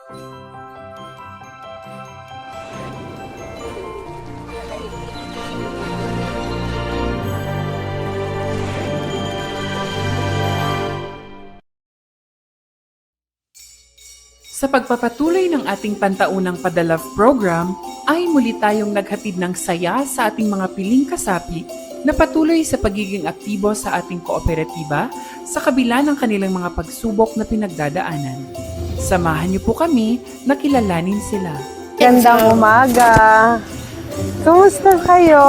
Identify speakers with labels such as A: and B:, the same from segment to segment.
A: Sa pagpapatuloy ng ating pantaunang Padalove program, ay muli tayong naghatid ng saya sa ating mga piling kasapi na patuloy sa pagiging aktibo sa ating kooperatiba sa kabila ng kanilang mga pagsubok na pinagdadaanan. Samahan niyo po kami na kilalanin sila.
B: Gandang umaga! Kumusta kayo?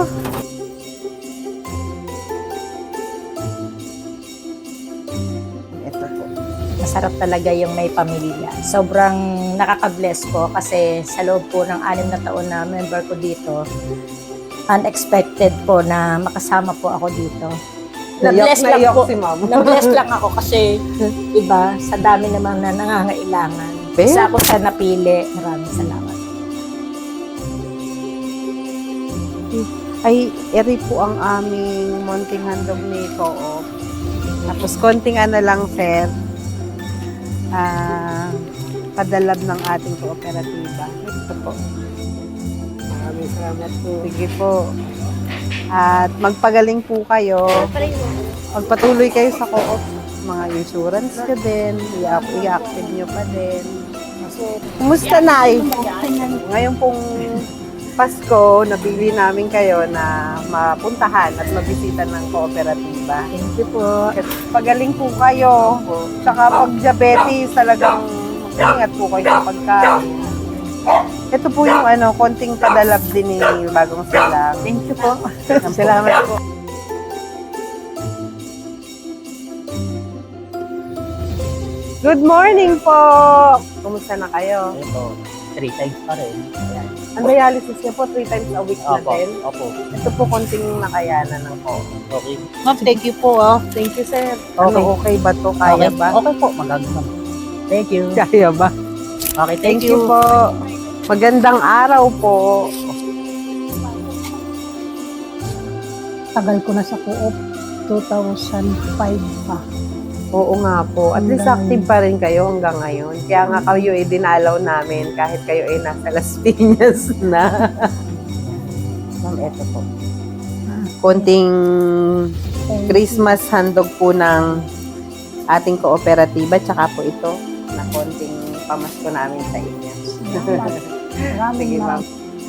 C: Ito po. Masarap talaga yung may pamilya. Sobrang nakaka-bless po kasi sa loob po ng 6 na taon na member ko dito, unexpected po na makasama po ako dito. Na-bless lang po.
B: Si Ma'am.
C: Na-bless lang ako kasi, iba, sa dami naman na nangangailangan. Isa ako sa napili. Maraming salamat.
B: Ay, eri po ang aming munting handog ni Co-op. Tapos konting lang, sir. Padalab ng ating kooperatiba. Ito po. Maraming salamat po. Sige po. At magpagaling po kayo. Magpatuloy kayo sa Co-op. Mga insurance ka din. I-active nyo pa din. Kumusta, Nay? Ngayon pong Pasko, napili namin kayo na mapuntahan at mabisita ng kooperatiba.
C: Thank you po.
B: Pagaling po kayo. Tsaka pag diabetes, talagang mag-ingat po kayo sa pagkain. Ito po yung konting padalab din ni Bagong Silang.
C: Thank you po.
B: Salamat po. Good morning po! Kumusta na kayo?
D: Ito, 3 times pa rin. Ayan.
B: Ang dialysis niyo po 3 times a week na
D: Opo,
B: din.
D: opo.
B: Ito po konting nakayanan ng po.
D: Okay. Ma'am, thank you po.
B: Thank you, sir.
D: Okay.
B: Okay ba to? Kaya
D: Okay,
B: ba?
D: okay po, magagawa. Thank you.
B: Kaya ba?
D: Okay,
B: Thank you po. Magandang araw po.
E: Tagal ko na sa Co-op, 2005 pa.
B: Oo nga po. At least active pa rin kayo hanggang ngayon. Kaya nga kayo dinalaw namin kahit kayo nasa Las Piñas na.
D: Ma'am, ito po.
B: Konting Christmas handog po ng ating kooperatiba. Tsaka po ito na konting pamasko namin sa inyo. Sige, ma'am.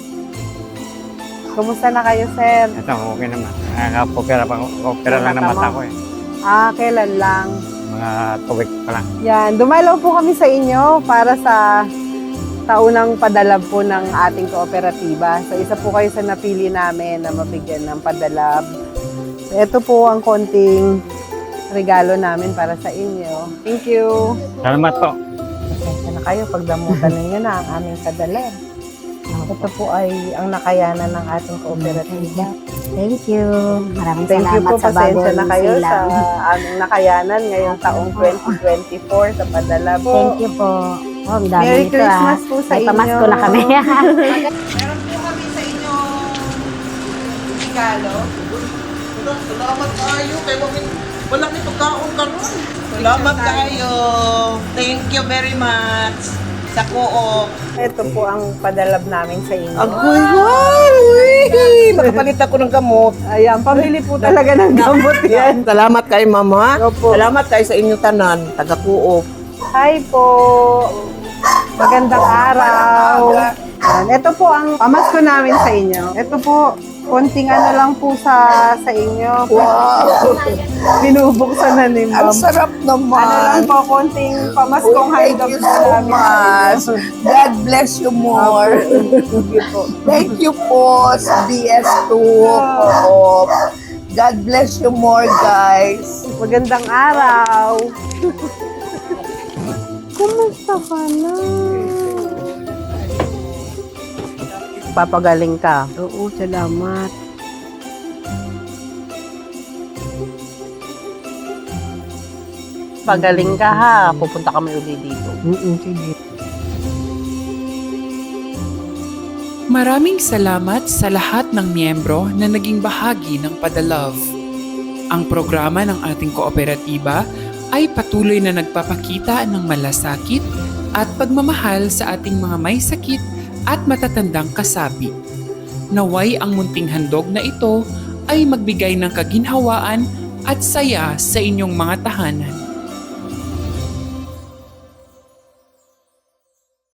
B: Kumusta na kayo, sir?
F: Ito, okay naman. Nakaka-opera lang ng mata ko eh.
B: Kailan lang?
F: Mga 2 weeks pa lang.
B: Yan, dumalaw po kami sa inyo para sa taunang padalab po ng ating kooperatiba. So, isa po kayo sa napili namin na mabigyan ng padalab. So, ito po ang konting regalo namin para sa inyo. Thank you.
F: Salamat po.
B: Pasensya na kayo, pagdamutan ninyo na ang aming padalab. Ito po ay ang nakayanan ng ating kooperatiba.
C: Thank you. Maraming
B: Thank you
C: salamat
B: po,
C: sa
B: pasensya
C: Bagong
B: na kayo sa
C: Silang.
B: aming nakayanan ngayong taong 2024 sa padalab.
C: Thank you po. Oh, ang dami
B: Merry
C: nito,
B: Christmas po sa
C: May
B: inyo.
C: pamasko na kami.
B: Meron po kami sa inyo regalo.
G: Salamat tayo. Kaya walang ipagkaon ka nun. Salamat tayo. Thank you very much sa Co-op.
B: Ito po ang padalab namin sa inyo.
G: Agoy, wow! Nakapalit ako ng gamot.
B: Ayan, pamili po talaga ng gamot yan.
G: Salamat kay Mama.
B: Opo.
G: Salamat kayo sa inyong tanan. Taga Co-op.
B: Hi po. Magandang araw. Ayan, ito po ang pamasko namin sa inyo. Ito po, konting lang po sa inyo.
G: Wow!
B: Binubuksan na ni
G: Ang
B: Ma'am.
G: sarap naman.
B: Lang po, konting pamaskong
G: Thank
B: handog
G: you
B: po
G: so
B: namin.
G: much. God bless you more. Thank you po sa BS2 Co-op. God bless you more, guys.
B: Magandang araw. Kumusta ka na? Papagaling ka. Oo, salamat. Pagaling ka ha. Pupunta kami uli dito.
E: Sige.
A: Maraming salamat sa lahat ng miyembro na naging bahagi ng Padalove. Ang programa ng ating kooperatiba ay patuloy na nagpapakita ng malasakit, at pagmamahal sa ating mga may sakit at matatandang kasapi. Naway ang munting handog na ito ay magbigay ng kaginhawaan at saya sa inyong mga tahanan.